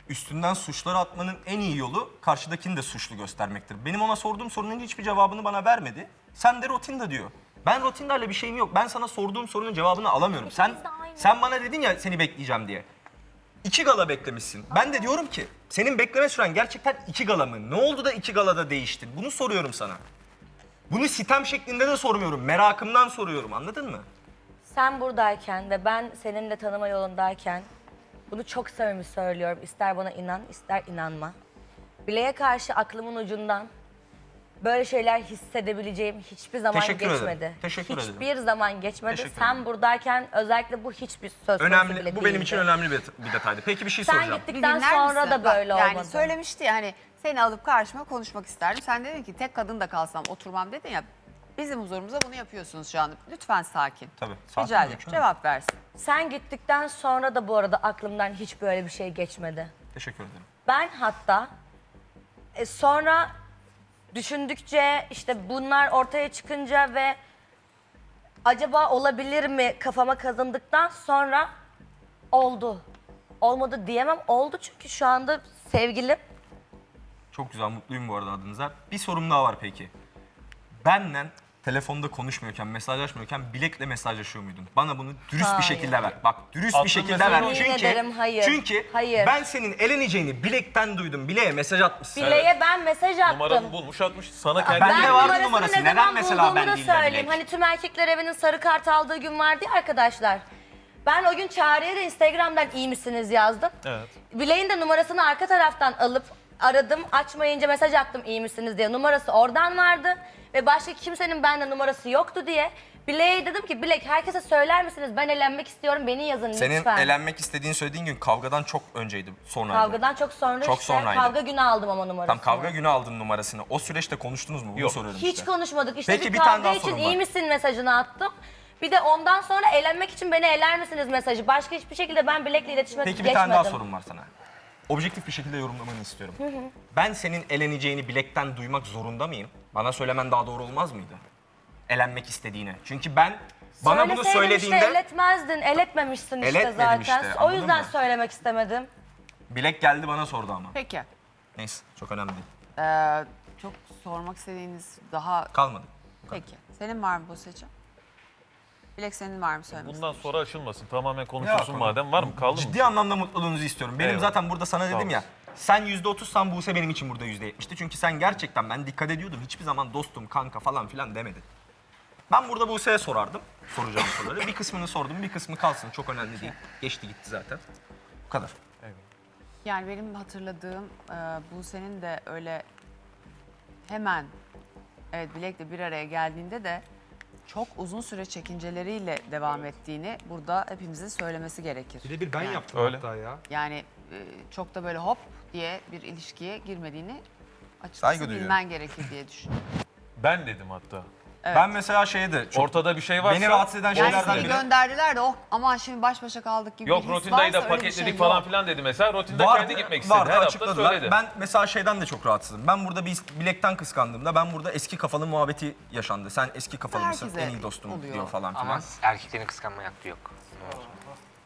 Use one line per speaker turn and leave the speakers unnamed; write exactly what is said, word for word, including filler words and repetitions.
üstünden suçları atmanın en iyi yolu karşıdakini de suçlu göstermektir. Benim ona sorduğum sorunun hiçbir cevabını bana vermedi. Sen de Rotinda diyor. Ben Rotinda'yla bir şeyim yok. Ben sana sorduğum sorunun cevabını alamıyorum. Sen sen bana dedin ya seni bekleyeceğim diye. İki gala beklemişsin. Ben de diyorum ki senin bekleme süren gerçekten iki gala mı? Ne oldu da iki galada değiştin? Bunu soruyorum sana. Bunu sitem şeklinde de sormuyorum. Merakımdan soruyorum. Anladın mı?
Sen buradayken ve ben seninle tanıma yolundayken bunu çok samimi söylüyorum. İster bana inan, ister inanma. Bileğe karşı aklımın ucundan böyle şeyler hissedebileceğim hiçbir zaman
Teşekkür ederim.
geçmedi.
Teşekkür ederim.
Hiçbir zaman geçmedi.
Teşekkür
Sen
ederim.
buradayken özellikle bu hiçbir söz konusu bile
Önemli. Bu benim
değildi.
için önemli bir, bir detaydı. Peki bir şey
Sen
soracağım.
gittikten
Dinler
sonra
misin?
da böyle
Bak, yani
olmadı.
söylemişti ya hani seni alıp karşıma konuşmak isterdim. Sen dedin ki tek kadın da kalsam oturmam dedin ya. Bizim huzurumuza bunu yapıyorsunuz şu anda. Lütfen sakin.
Tabii, sakin
Rica ederim.
olacağım.
Cevap versin.
Sen gittikten sonra da bu arada aklımdan hiç böyle bir şey geçmedi.
Teşekkür ederim.
Ben hatta e, sonra düşündükçe işte bunlar ortaya çıkınca ve acaba olabilir mi kafama kazındıktan sonra oldu. Olmadı diyemem. Oldu çünkü şu anda sevgilim.
Çok güzel, mutluyum bu arada adınıza. Bir sorum daha var peki. Benden telefonda konuşmuyorken, mesajlaşmıyorken Bilek'le mesajlaşıyor muydun? Bana bunu dürüst
Hayır.
bir şekilde ver. Bak dürüst
Aklımda
bir şekilde
senin
ver.
o-
Çünkü,
Yemin ederim hayır.
çünkü
Hayır.
ben senin eleneceğini Bilek'ten duydum. Bilek'e mesaj atmışsın.
Bile'ye ben mesaj attım.
Numaranı bulmuş atmış. Sana kendi
Ben de
Ben
vardı
numarasını
numarası.
ne
Neden
zaman
mesela
bulduğumu
ben
da
değil de
söyleyeyim.
Bilek?
Hani tüm erkekler evinin sarı kart aldığı gün vardı ya arkadaşlar. Ben o gün Çağrı'ya da Instagram'dan iyi misiniz yazdım.
Evet.
Bileğin de numarasını arka taraftan alıp aradım. Açmayınca mesaj attım iyi misiniz diye. Numarası oradan vardı. Ve başka kimsenin bende numarası yoktu diye. Bileğe dedim ki Bilek herkese söyler misiniz? Ben elenmek istiyorum beni yazın
Senin
lütfen.
elenmek istediğini söylediğin gün kavgadan çok önceydi. Sonraydı.
Kavgadan çok sonra
Çok
işte
sonraydı.
kavga günü aldım ama numarasını.
Tam kavga günü aldın numarasını. O süreçte konuştunuz mu? Bunu
Yok.
soruyorum
Hiç
işte.
konuşmadık. İşte
Peki,
bir
bir tane
kavga
daha
için
sorum
iyi
var.
misin mesajını attım. Bir de ondan sonra elenmek için beni eler misiniz mesajı. Başka hiçbir şekilde ben Bilek'le iletişime
Peki bir
geçmedim.
tane daha sorum var sana. Objektif bir şekilde yorumlamanı istiyorum. Ben senin eleneceğini Bilek'ten duymak zorunda mıyım? Bana söylemen daha doğru olmaz mıydı? Elenmek istediğini. Çünkü ben bana bunu
Söyleseydin
söylediğinde
işte eletmezdin, eletmemişsin işte
Eletmedim
zaten.
işte,
O
anladın
yüzden
mı?
söylemek istemedim.
Bilek geldi bana sordu ama.
Peki.
Neyse çok önemli değil.
Ee, çok sormak istediğiniz daha...
Kalmadı.
Peki. Senin var mı Buse'cim? Bilek senin var mı söylemek
Bundan sonra aşılmasın. Tamamen
Ya,
konuşulsun
konu-
madem. Var mı? Kaldı mı?
Ciddi anlamda mutluluğunuzu istiyorum. Benim
Eyvallah.
zaten burada sana dedim ya.
olasın.
Sen yüzde otuzsan Buse benim için burada yüzde yetmişti. Çünkü sen gerçekten ben dikkat ediyordum. Hiçbir zaman dostum, kanka falan filan demedin. Ben burada Buse'ye sorardım. Soracağım soruları. Bir kısmını sordum, bir kısmı kalsın. Çok önemli değil. Geçti gitti zaten. Bu kadar.
Yani benim hatırladığım e, Buse'nin de öyle hemen evet Bilek'le bir araya geldiğinde de çok uzun süre çekinceleriyle devam ettiğini burada hepimizin söylemesi gerekir.
Birebir ben
Yani-
yaptım
Öyle.
hatta ya.
Yani e, çok da böyle hop diye bir ilişkiye girmediğini
Saygı
açıkçası
duyuyorum.
bilmen gerekir diye düşünüyorum.
Ben dedim hatta.
Evet.
Ben mesela şeyde çok
Ortada bir şey varsa...
beni rahatsız eden
Yani
şeylerden
seni
biri.
gönderdiler de oh aman şimdi baş başa kaldık gibi
Yok
bir his
Rotinda'yı da
varsa öyle bir
paketledik
şey
falan
yok.
filan dedi mesela. Rotinda
Vardı,
kendi gitmek istedi.
vardı,
Her hafta
açıkladılar.
söyledi.
Ben mesela şeyden de çok rahatsızım. Ben burada bir Bilek'ten kıskandığımda ben burada eski kafalı muhabbeti yaşandı. Sen eski kafalı mısın?
Herkese
En iyi dostum
oluyor.
diyor falan filan.
Ama erkeklerin kıskanma hakkı yok.